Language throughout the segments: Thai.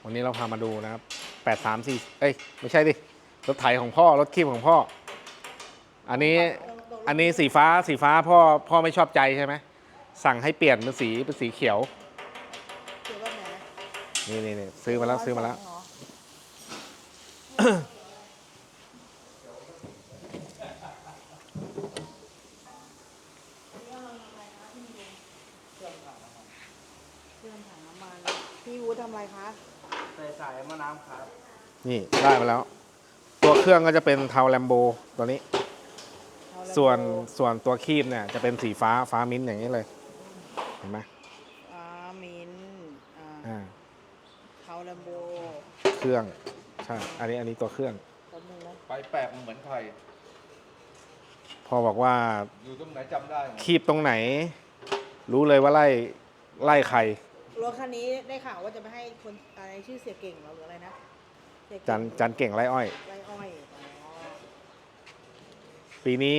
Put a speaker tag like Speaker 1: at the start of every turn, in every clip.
Speaker 1: วันนี้เราพามาดูนะครับ834เอ้ยไม่ใช่ดิรถไถของพ่อรถคีบของพ่ออันนี้สีฟ้าพ่อไม่ชอบใจใช่ไหมสั่งให้เปลี่ยนเป็นสีเขียว
Speaker 2: เขียวแบบไหน
Speaker 1: นี่ซื้อมาแล้ว
Speaker 2: เครื่องถังน้ำมันพี่วูดทำอะไรคะ
Speaker 3: ใส่สายมะน้ำครับ
Speaker 1: นี่ได้มาแล้ว ตัวเครื่องก็จะเป็นเทาแลมโบตัวนี้ส่วนตัวคีบเนี่ยจะเป็นสีฟ้ามิ้นท์อย่างนี้เลยเห็นไหม
Speaker 2: มินเทาแลมโบ
Speaker 1: เครื่องใช่อันนี้ตัวเครื่อง
Speaker 2: ตัวนึงนะ
Speaker 3: ไปแปลกเหมือนไทย
Speaker 1: พอบอกว่า
Speaker 3: อยู่ตรงไหนจำได้
Speaker 1: คีบตรงไหน รู้เลยว่าไล่ใคร
Speaker 2: รถคันนี้ได้ข่าวว่าจะไปให้คนอะไรชื่อเสียเก่งหรืออะไรนะ
Speaker 1: จันเก่งไล่อ้อยปีนี้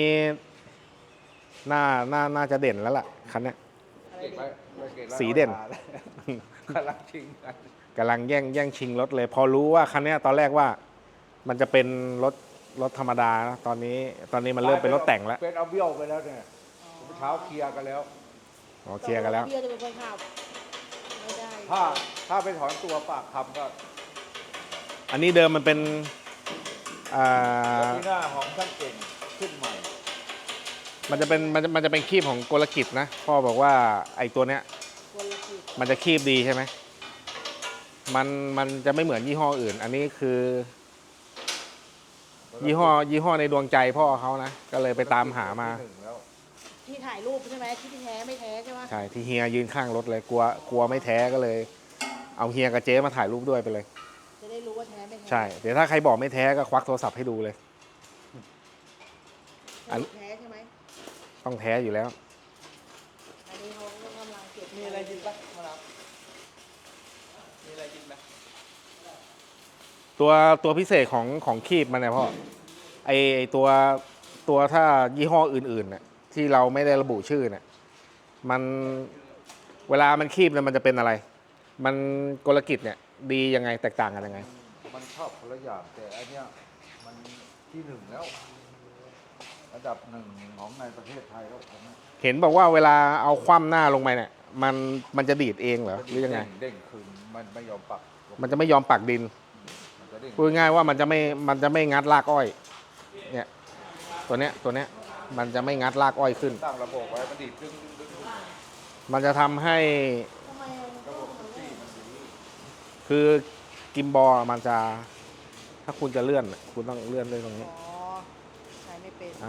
Speaker 1: น่าจะเด่นแล้วล่ะคันนี้สีเด่น
Speaker 3: กำลังชิง
Speaker 1: กำลังแย่งชิงรถเลย พอรู้ว่าคันนี้ตอนแรกว่ามันจะเป็นรถธรรมดานะตอนนี้มันเริ่มเป็นรถแต่งแล้ว
Speaker 3: เป็นเอาเบี้ยวไปแล้วเนี่ยเช้าเคลียร์กันแล้ว
Speaker 1: เคลียร์กันแล้ว
Speaker 2: เบี้ยวจะเป็นคนขับไม่ได้
Speaker 3: ถ้าไปถอนตัวปากคำก็
Speaker 1: อันนี้เดิมมันเป็น
Speaker 3: ที่หน้าของช่างเก่งขึ้นใหม่
Speaker 1: มันจะเป็นคีบของกลกิจนะพ่อบอกว่าไอ้ตัวเนี้ยมันจะคีบดีใช่ไหมมันจะไม่เหมือนยี่ห้ออื่น อันนี้คือยี่ห้อในดวงใจพ่อเขานะก็เลยไปตามหามา
Speaker 2: ที่ถ่ายรูปใช่ไหมที่แท้ไม่แท้ใช่ไหม
Speaker 1: ใช่ที่เฮียยืนข้างรถเลยกลัวไม่แท้ก็เลย เอาเฮียกับเจ๊มาถ่ายรูปด้วยไปเลย
Speaker 2: จะได้รู้ว่าแท้ไม่แท้
Speaker 1: ใช่เดี๋ยวถ้าใครบอกไม่แท้ก็ควักโทรศัพท์ให้ดูเลย
Speaker 2: อันแท้ใช่ไหม
Speaker 1: ต้องแท้อยู่แล้ว
Speaker 2: อันนี้เขากำลังเก็บ
Speaker 3: มีอะไรกินปะมารับมีอะไรกินไหม
Speaker 1: ตัวพิเศษของคีบมันเนี่ยพ่อไอตัวถ้ายี่ห้ออื่นๆเนี่ยที่เราไม่ได้ระบุชื่อเนี่ยมันเวลามันคีบเนี่ยมันจะเป็นอะไรมันกลกิจเนี่ยดียังไงแตกต่างกันยังไง
Speaker 3: มันชอบคนละอย่างแต่อันเนี้ยมันที่หนึ่งแล้วระดับหนึ่งของในประเทศไทยแล้วผม
Speaker 1: เห็นบอกว่าเวลาเอาคว่ำหน้าลงไปเนี่ยมันจะดีดเองเหรอหรือยังไง
Speaker 3: เด้งคืนมันไม่ยอมปัก
Speaker 1: มันจะไม่ยอมปักดินพูดง่ายว่ามันจะไม่งัดรากอ้อยเนี่ยตัวเนี้ยมันจะไม่งัดรากอ้อยขึ้น
Speaker 3: ตั้งระบบไว้มันดีดดึง
Speaker 1: มันจะทำให้คือกิมบอลมันจะถ้าคุณจะเลื่อนคุณต้องเลื่อนด้วยตรงนี้
Speaker 2: ใช้ไม่เป็น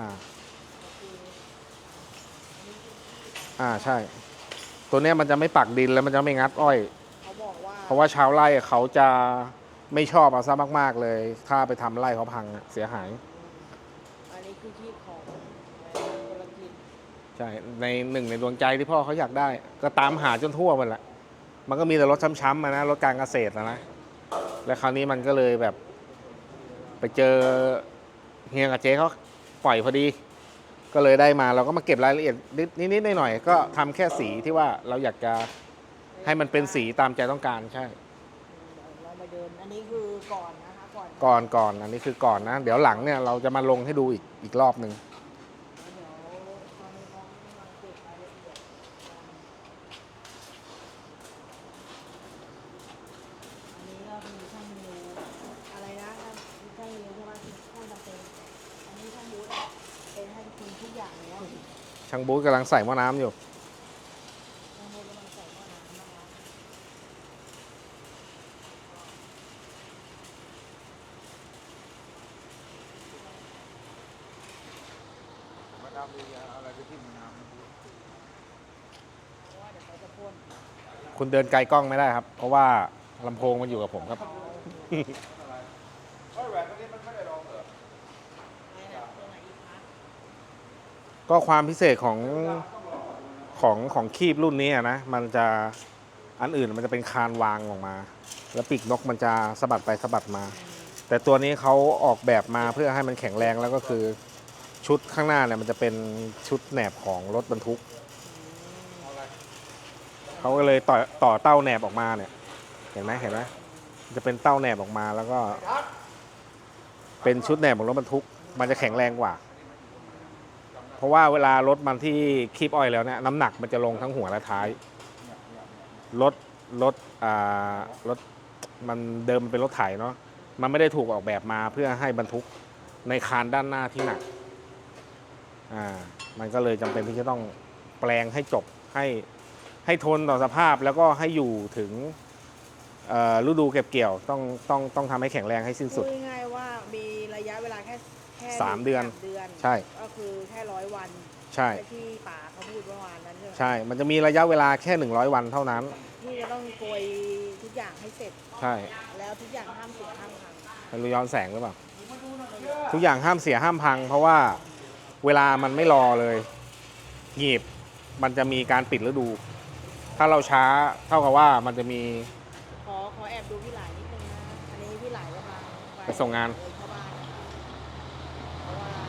Speaker 1: ใช่ตัวเนี้ยมันจะไม่ปักดินแล้วมันจะไม่งัดอ้อย
Speaker 2: เขาบอกว่า
Speaker 1: เพราะว่าชาวไร่เขาจะไม่ชอบเอาซะมากๆเลยถ้าไปทำไร่เขาพังเสียหาย
Speaker 2: อันนี้คือที่ของกลกิจ
Speaker 1: ใช่ในหนึ่งในดวงใจที่พ่อเขาอยากได้ก็ตามหาจนทั่วหมดแหละมันก็มีแต่รถช้ำๆนะรถการเกษตรนะและคราวนี้มันก็เลยแบบไปเจอเฮียกับเจ๊เขาปล่อยพอดีก็เลยได้มาเราก็มาเก็บรายละเอียดนิดๆหน่อยๆก็ทำแค่สีที่ว่าเราอยากจะให้มันเป็นสีตามใจต้องการใช่
Speaker 2: เราไปเดินอันนี้คือก่อนนะคะ
Speaker 1: ก่อนอันนี้คือก่อนนะเดี๋ยวหลังเนี่ยเราจะมาลงให้ดูอีกรอบหนึ่งช่างบูธกำลังใส่หม้อน้ำอยู่
Speaker 3: มาดามดีอะไรไปที่มาดาม
Speaker 1: คุณเดินไกลกล้องไม่ได้ครับเพราะว่าลำโพงมันอยู่กับผมครับก็ความพิเศษของคีบรุ่นนี้นะมันจะอันอื่นมันจะเป็นคานวางออกมาแล้วปีกนกมันจะสะบัดไปสะบัดมาแต่ตัวนี้เขาออกแบบมาเพื่อให้มันแข็งแรงแล้วก็คือชุดข้างหน้าเนี่ยมันจะเป็นชุดแหนบของรถบรรทุกเขาก็เลยต่อเต้าแหนบออกมาเนี่ยเห็นไหมจะเป็นเต้าแหนบออกมาแล้วก็ เป็นชุดแหนบของรถบรรทุก มันจะแข็งแรงกว่า เพราะว่าเวลารถมันที่คีบออยล์แล้วเนี่ยน้ำหนักมันจะลงทั้งหัวและท้ายรถรถรถมันเดิมมันเป็นรถไถเนาะมันไม่ได้ถูกออกแบบมาเพื่อให้บรรทุกในคานด้านหน้าที่หนักมันก็เลยจำเป็นที่จะต้องแปลงให้จบให้ทนต่อสภาพแล้วก็ให้อยู่ถึงฤดูเก็บเกี่ยวต้องทำให้แข็งแรงให้สิ้นสุด
Speaker 2: พูดง่ายๆว่ามีระยะเวลาแค่
Speaker 1: 3 เดือน
Speaker 2: 3 เดือน
Speaker 1: ใช่
Speaker 2: ก็คือแค่100 วัน
Speaker 1: ใช่
Speaker 2: ที่ป่าเขาพูดเมื่อวานนั้นใช่ไหม
Speaker 1: ใช่ มันจะมีระยะเวลาแค่100 วันเท่านั้น
Speaker 2: ที่จะต้องโกยทุกอย่างให้เสร็จ
Speaker 1: ใช่
Speaker 2: แล้วทุกอย่างห้ามเสียห้ามพัง
Speaker 1: ไม่รู้ย้อนแสงหรือเปล่า ทุกอย่างห้ามเสียห้ามพัง เพราะว่าเวลามันไม่รอเลยหยีบมันจะมีการปิดฤดู ถ้าเราช้าเท่ากับว่ามันจะมี
Speaker 2: ขอแอบดูพี่หลายนิดนึงนะ อันนี้พี่หลายกำลัง
Speaker 1: ไปส่งงาน
Speaker 2: เข้าบ้านนะคะเพราะว่า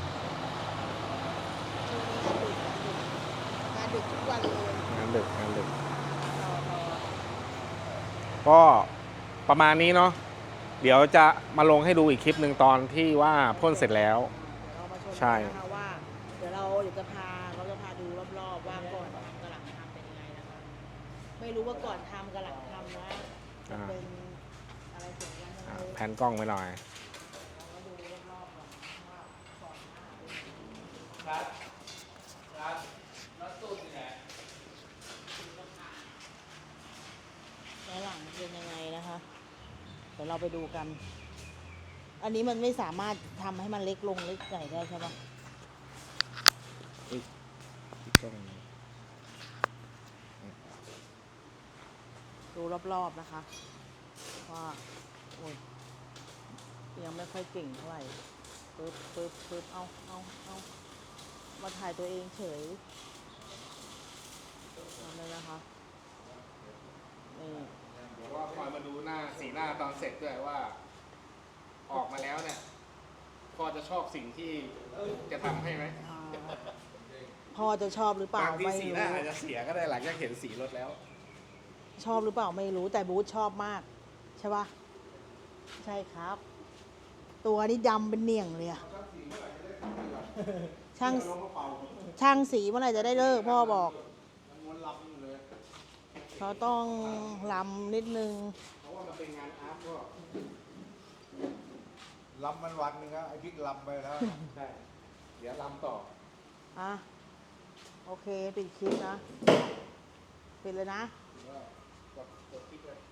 Speaker 2: ช่วงนี้งานดึกทุกวันเลย
Speaker 1: งานดึก
Speaker 2: รอ
Speaker 1: ก็ประมาณนี้เนาะ เดี๋ยวจะมาลงให้ดูอีกคลิปหนึ่งตอนที่ว่าพ่นเสร็จแล้ว
Speaker 2: เรามาชม
Speaker 1: ใช่
Speaker 2: กันนะคะว่าเดี๋ยวเราจะพาดูรอบๆว่าก่อนทำกับหลังทำเป็นยังไงนะคะไม่รู้ว่าก่อนทำกับหลังทำนะจะเป็นอะไรสวยงามยังไง
Speaker 1: แผนกล้องไว้หน่อย
Speaker 2: เราดูรอบๆก่อนว่าก่อนหน้าเป็นยังไงแล้วหลังเป็นยังไงนะคะเดี๋ยวเราไปดูกัน อันนี้มันไม่สามารถทำให้มันเล็กลงเล็กใหญ่ได้ใช่ปะดูรอบๆนะคะว่าโอ้ยยังไม่ค่อยเก่งเท่าไหร่ปึ๊บเอามาถ่ายตัวเองเฉยนั่นเลยนะคะนี่
Speaker 1: เดี๋ยวว่าคอยมาดูสีหน้าตอนเสร็จด้วยว่า ออกมาแล้วเนี่ย พอจะชอบสิ่งที่จะทำให้ไหม
Speaker 2: พ่อจะชอบหรือเปล่า
Speaker 1: บางที
Speaker 2: ไม่
Speaker 1: สีห
Speaker 2: รู้
Speaker 1: น้าอาจจะเสียก็ได้หลังจากเห็นสีรถแล้ว
Speaker 2: ชอบหรือเปล่าไม่รู้แต่บูธชอบมาก ใช่ปะใช่ครับ ตัวนี้ดำเป็นเหนี่ยงเลยอะช่างสีเมื่อไหร่จะได้เลิกพ่อบอกเขาต้องลำนิดนึง
Speaker 1: เพราะว่ามันเป็นงานอาร์ตก็
Speaker 3: ลำมันวันหนึงครับไอ้บิ๊กลำไปแล้ว
Speaker 1: ใช่ เดี๋ยวลำต่อ
Speaker 2: อ่ะโอเคปิดคลิปนะปิดเลยนะ
Speaker 1: กดคลิปเลย